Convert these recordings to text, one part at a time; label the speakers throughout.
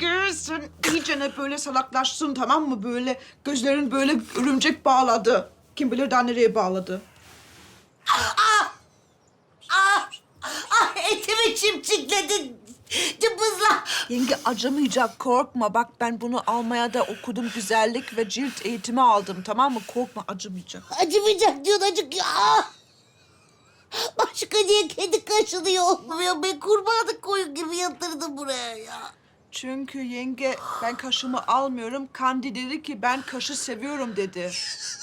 Speaker 1: yenge sen iyicene böyle salaklaştın, tamam mı? Böyle gözlerin böyle örümcek bağladı. Kim bilir daha nereye bağladı.
Speaker 2: Etimi çimçikledin. Cımbızla.
Speaker 1: Yenge acımayacak, korkma. Bak ben bunu almaya da okudum, güzellik ve cilt eğitimi aldım, tamam mı? Korkma, acımayacak.
Speaker 2: Acımayacak diyorsun, acık. Başka niye kedi kaşınıyor olmuyor? Ben kurbanlık koyun gibi yatırdım buraya ya.
Speaker 1: Çünkü yenge ben kaşımı almıyorum. Kandi dedi ki ben kaşı seviyorum dedi.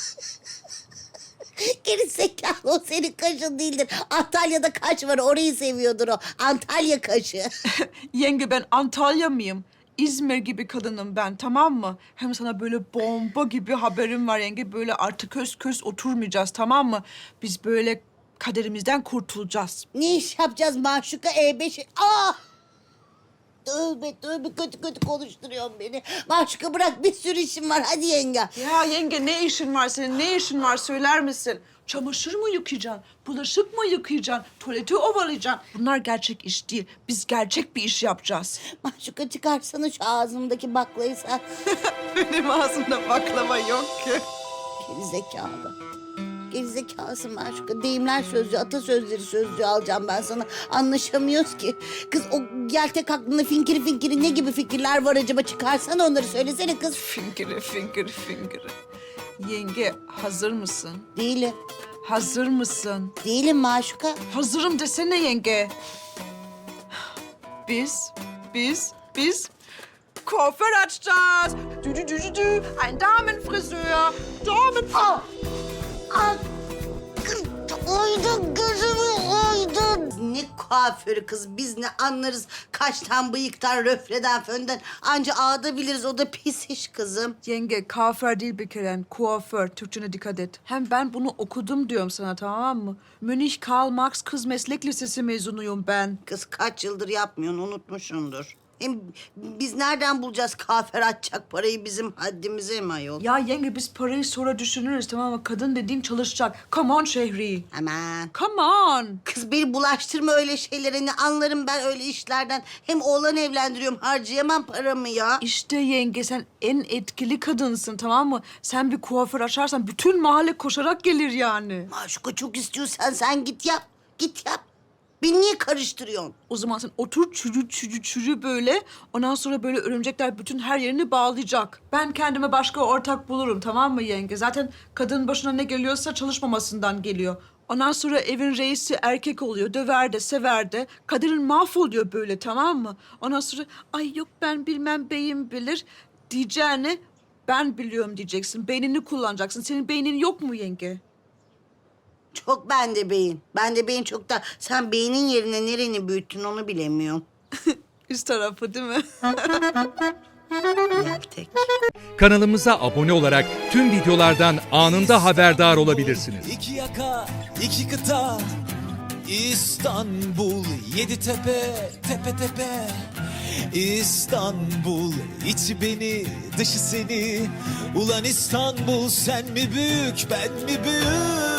Speaker 2: Geri zekalı, o senin kaşın değildir. Antalya'da kaş var, orayı seviyordur o. Antalya kaşı.
Speaker 1: Yenge ben Antalya mıyım? İzmir gibi kadınım ben, tamam mı? Hem sana böyle bomba gibi haberim var yenge. Böyle artık köz oturmayacağız, tamam mı? Biz böyle kaderimizden kurtulacağız.
Speaker 2: Ne iş yapacağız Maşuka E5? Tövbe kötü konuşturuyorsun beni. Maşuka bırak, bir sürü işim var, hadi yenge.
Speaker 1: Ya yenge ne işin var senin? Ne işin var söyler misin? Çamaşır mı yıkayacaksın? Bulaşık mı yıkayacaksın? Tuvaleti ovalayacaksın? Bunlar gerçek iş değil. Biz gerçek bir iş yapacağız.
Speaker 2: Maşuka çıkarsana şu ağzımdaki baklayı sen.
Speaker 1: Benim ağzımda baklava yok ki.
Speaker 2: Gerizekalı. Gerizekalısın Maşuka. Deyimler sözlüğü, atasözleri sözlüğü alacağım ben sana. Anlaşamıyoruz ki. Kız o yeltek aklında finkiri ne gibi fikirler var acaba? Çıkarsana onları, söylesene kız.
Speaker 1: Fingiri. Yenge hazır mısın?
Speaker 2: Değilim.
Speaker 1: Hazır mısın?
Speaker 2: Değilim Maşuka.
Speaker 1: Hazırım desene yenge. Biz kuaför açacağız. Dü. Ein Damenfriseur.
Speaker 2: Oydun gözümü oydun. Ne kuaförü kız, biz ne anlarız kaştan, bıyıktan, röfleden, fönden. Anca ağda biliriz, o da pis iş kızım.
Speaker 1: Yenge kuaför değil bir kere. Kuaför. Türkçene dikkat et. Hem ben bunu okudum diyorum sana, tamam mı? Münih Karl Marx Kız Meslek Lisesi mezunuyum ben.
Speaker 2: Kız kaç yıldır yapmıyorsun, unutmuşsundur. Hem biz nereden bulacağız kuaför açacak parayı, bizim haddimize mi ayol?
Speaker 1: Ya yenge biz parayı sonra düşünürüz, tamam mı? Kadın dediğin çalışacak. Come on Şehri.
Speaker 2: Aman.
Speaker 1: Come on.
Speaker 2: Kız beni bulaştırma öyle şeylere, ne anlarım ben öyle işlerden. Hem oğlan evlendiriyorum, harcayamam paramı ya.
Speaker 1: İşte yenge sen en etkili kadınsın, tamam mı? Sen bir kuaför açarsan bütün mahalle koşarak gelir yani.
Speaker 2: Maşuka çok istiyorsan sen git yap, git yap. Beni niye karıştırıyorsun?
Speaker 1: O zaman sen otur çürü böyle. Ondan sonra böyle örümcekler bütün her yerini bağlayacak. Ben kendime başka ortak bulurum, tamam mı yenge? Zaten kadının başına ne geliyorsa çalışmamasından geliyor. Ondan sonra evin reisi erkek oluyor. Döver de sever de. Kaderin mahvoluyor böyle, tamam mı? Ondan sonra ay yok ben bilmem beyim bilir diyeceğine ben biliyorum diyeceksin. Beynini kullanacaksın. Senin beynin yok mu yenge?
Speaker 2: Çok bende beyin. Bende beyin çok da, sen beynin yerine nereni büyüttün onu bilemiyorum.
Speaker 1: Üst tarafı değil mi?
Speaker 2: Yeltek.
Speaker 3: Kanalımıza abone olarak tüm videolardan anında haberdar olabilirsiniz.
Speaker 4: İki yaka, iki kıta, İstanbul, yedi tepe, tepe tepe. İstanbul, içi beni, dışı seni. Ulan İstanbul, sen mi büyük, ben mi büyük?